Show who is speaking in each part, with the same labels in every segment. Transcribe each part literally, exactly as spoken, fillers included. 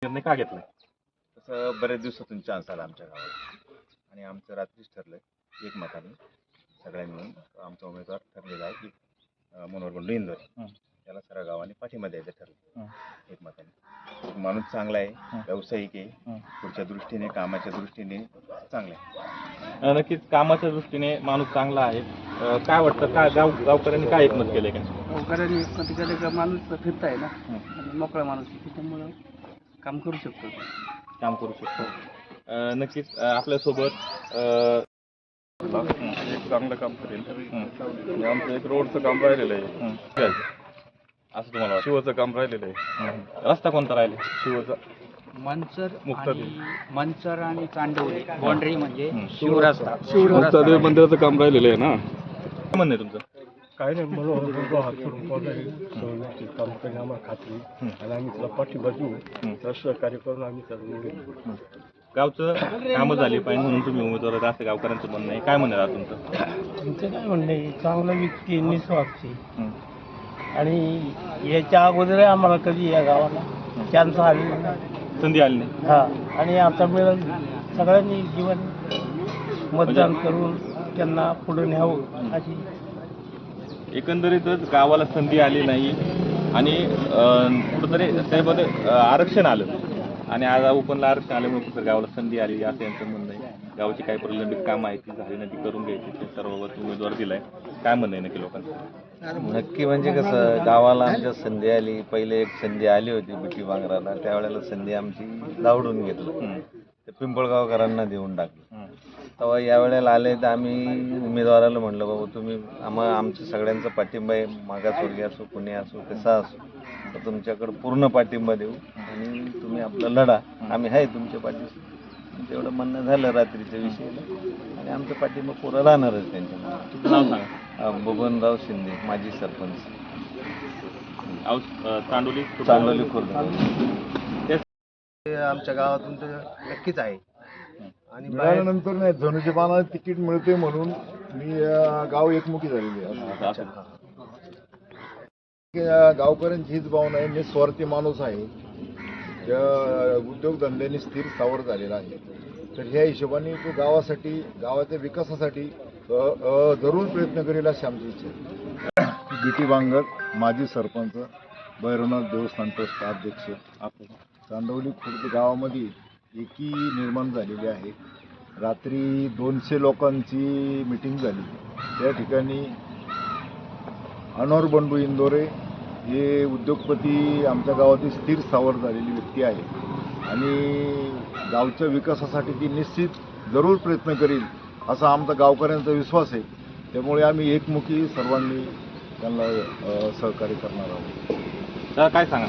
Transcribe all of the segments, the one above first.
Speaker 1: निर्णय का घेतलाय?
Speaker 2: तसं बरेच दिवसातून चान्स आला आमच्या गावाला आणि आमचं रात्रीच ठरलं एकमताने सगळ्यांनी मिळून आमचा उमेदवार ठरलेला आहे की मनोहर बंडू इंदोरे त्याला सर्व गावाने पाठिंबा द्यायचं ठरलं एकमताने. माणूस चांगला आहे, व्यावसायिक आहे, पुढच्या दृष्टीने कामाच्या दृष्टीने चांगला आहे.
Speaker 1: नक्कीच कामाच्या दृष्टीने माणूस चांगला आहे. अं, काय वाटतं काय गाव गावकऱ्यांनी काय एकमत केलंय का?
Speaker 3: गावकऱ्यांनी एकमत केलं का माणूस फिरता आहे ना आणि मोकळा माणूस आहे, त्याच्यामुळं काम करू शकतो
Speaker 1: काम करू शकतो. अं, नक्कीच अं, आपल्यासोबत अं,
Speaker 4: एक चांगलं काम करेल आणि आमचं एक रोडचं काम राहिलेलं आहे,
Speaker 1: असं तुम्हाला वाटतं?
Speaker 4: शिवचं काम राहिलेलं आहे.
Speaker 1: रस्ता कोणता राहिला?
Speaker 4: शिवचा
Speaker 3: मंचर
Speaker 4: मुक्तादेव.
Speaker 3: आणि मंचर आणि चांडवली बाउंड्री म्हणजे शिवरस्ता
Speaker 4: मुक्तादेव मंदिराचं काम राहिलेलं आहे ना.
Speaker 1: काय म्हणणं आहे तुमचं?
Speaker 5: काही नाही मला हात करून पडले काम करणे आम्हाला खात्री आणि आम्ही त्याला पाठिंबा देऊ त्याला सहकार्य करून आम्ही त्याला निवडून.
Speaker 1: गावचं कामं झाली पाहिजे म्हणून तुम्ही उमेदवार आहेत असं गावकऱ्यांचं म्हणणं आहे. काय म्हणणं आहे तुमचं?
Speaker 3: आमचं काय म्हणणं आहे, चांगला व्यक्ती निस्वार्थी आणि याच्या अगोदर आम्हाला कधी या गावाला चान्स आली नाही.
Speaker 1: संधी आली नाही.
Speaker 3: हा आणि आता मिळून सगळ्यांनी जीवन मतदान करून त्यांना पुढे न्यावं अशी.
Speaker 1: एकंदरीतच गावाला संधी आली नाही आणि अं, कुठंतरी त्यामध्ये अं, आरक्षण आलं आणि आज ओपनला आरक्षण आल्यामुळे कुठं गावाला संधी आली असं यांचं म्हणणं आहे. गावाची काही प्रलंबित कामं आहेत ती झाली नाही ती करून घ्यायची ते सर्व उमेदवार दिलाय. काय म्हणणं आहे नक्की लोकांचं?
Speaker 6: नक्की म्हणजे कसं गावाला आमच्या संधी आली. पहिले एक संधी आली होती बिटी बांगराला, त्यावेळेला संधी आमची दावडून घेतली, ते पिंपळगावकरांना देऊन टाकलं. तेव्हा यावेळेला आले तर आम्ही उमेदवाराला म्हणलं बाबा तुम्ही आम्हा आमच्या सगळ्यांचा पाठिंबा आहे, मागासवर्गीय असो कुणी असो कसा असो तर तुमच्याकडं पूर्ण पाठिंबा देऊ आणि तुम्ही आपलं लढा, आम्ही आहे तुमच्या पाठीशी. तेवढं म्हणणं झालं रात्रीच्या विषयीला आणि आमचा पाठिंबा पुरा राहणारच त्यांच्या.
Speaker 1: तुमचं नाव सांगा.
Speaker 6: बबनराव शिंदे, माजी सरपंच,
Speaker 1: औस- अं, चांडोली
Speaker 6: चांदोली खुर्द.
Speaker 7: आमच्या गावातून तर नक्कीच आहे आणि
Speaker 5: मिळाल्यानंतर नाही धनुष्य बाणाला तिकीट मिळते म्हणून मी अं, गाव एकमुखी झालेली आहे. अं, गावकऱ्यांची हीच भावना आहे, मी स्वार्थी माणूस आहे, त्या उद्योगधंद्याने स्थिर स्थावर झालेला आहे. तर ह्या हिशोबाने तो गावासाठी गावाच्या विकासासाठी अ, अ, जरूर प्रयत्न करेल अशी आमची इच्छा आहे. बिटी बांगर, माजी सरपंच, भैरवनाथ देवस्थान ट्रस्ट अध्यक्ष. चांदवली खुर्द गावामध्ये एकी निर्माण झालेली आहे. रात्री दोनशे लोकांची मिटिंग झाली. त्या ठिकाणी मनोहर बंडू इंदोरे हे उद्योगपती आमच्या गावातील स्थिर स्थावर झालेली व्यक्ती आहे आणि गावच्या विकासासाठी ती निश्चित जरूर प्रयत्न करील असा आमचा गावकऱ्यांचा विश्वास आहे. त्यामुळे आम्ही एकमुखी सर्वांनी त्यांना अ, सहकार्य करणार आहोत.
Speaker 1: तर काय सांगा?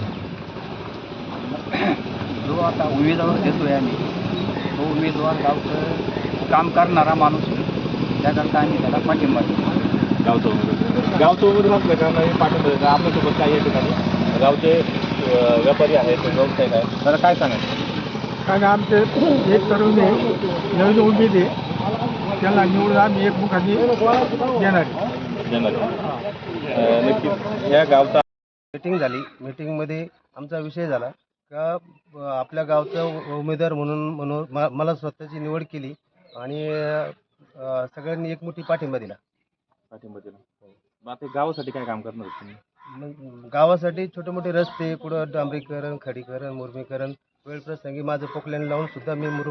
Speaker 3: जो आता उमेदवार देतोय आम्ही तो उमेदवार गावचं काम करणारा माणूस आहे, त्याकरता आम्ही त्याला पाठिंबा देतो.
Speaker 1: गावचं उमेदवार गावचं उमेदवार असलं का नाही पाठिंबा देतात. आपल्यासोबत काही या ठिकाणी गावचे अं, व्यापारी आहेत, व्यावसायिक आहेत. तर काय सांगायचं?
Speaker 5: कारण आमचे एक तरुण नवीन उमेद आहे, त्याला निवडून आम्ही एकमुखाने देणार आहे.
Speaker 1: देणार आहे. अं, नक्कीच या गावचा
Speaker 7: मीटिंग झाली. मीटिंगमध्ये आमचा विषय झाला का अ, आपल्या गावचा उ- उमेदवार म्हणून म्हणून म- मला स्वतःची निवड केली आणि अ, सगळ्यांनी एकमुठी पाठिंबा दिला.
Speaker 1: पाठिंबा दिला. मग आता गावासाठी काय काम करणार तुम्ही?
Speaker 7: मग गावासाठी छोटे मोठे रस्ते, कुठं डांबरीकरण, खडीकरण, मुरमीकरण, वेळ प्रसंगी माझं पोकल्यान लावून सुद्धा मी मुरुम